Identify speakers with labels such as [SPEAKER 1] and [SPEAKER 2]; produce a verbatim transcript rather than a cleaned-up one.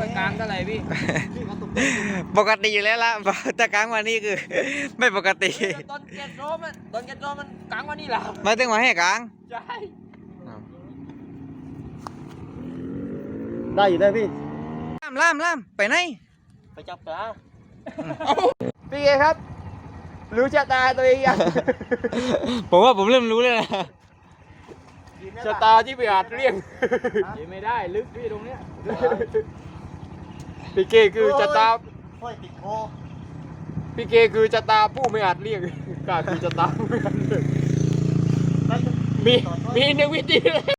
[SPEAKER 1] มันกลางเท่าไหร่พี่
[SPEAKER 2] ปกติอยู่แล้วละแต่กลางวันนี้คือ ไม่ปกติ
[SPEAKER 1] ตอนเกตโรมันตอนเกตโรมันกลางวันนี้เหรอ
[SPEAKER 2] มาถึงมาให้กลาง
[SPEAKER 1] ใช่
[SPEAKER 3] ได้อยู่ได้พี่
[SPEAKER 2] ล่ามล่ามล่ามไปไหน
[SPEAKER 3] ไปจับปลา
[SPEAKER 1] พี่เอครับรู้ชะตาตัวเองยัง
[SPEAKER 2] ผมว่าผมเริ่มรู้เลยนะ
[SPEAKER 1] ชะตาที่ไปอาจเลี่ยงไม่ได้ลึกพี่ตรงเนี้ยพี่เกคือชะตา
[SPEAKER 3] ห้อยติดคอ
[SPEAKER 1] พี่เกคือชะตาผู้ไม่อาจเลี่ยงกาคือชะตาผู้ไม่อาจเลี่ยงมีมีหนึ่งวิธีเลย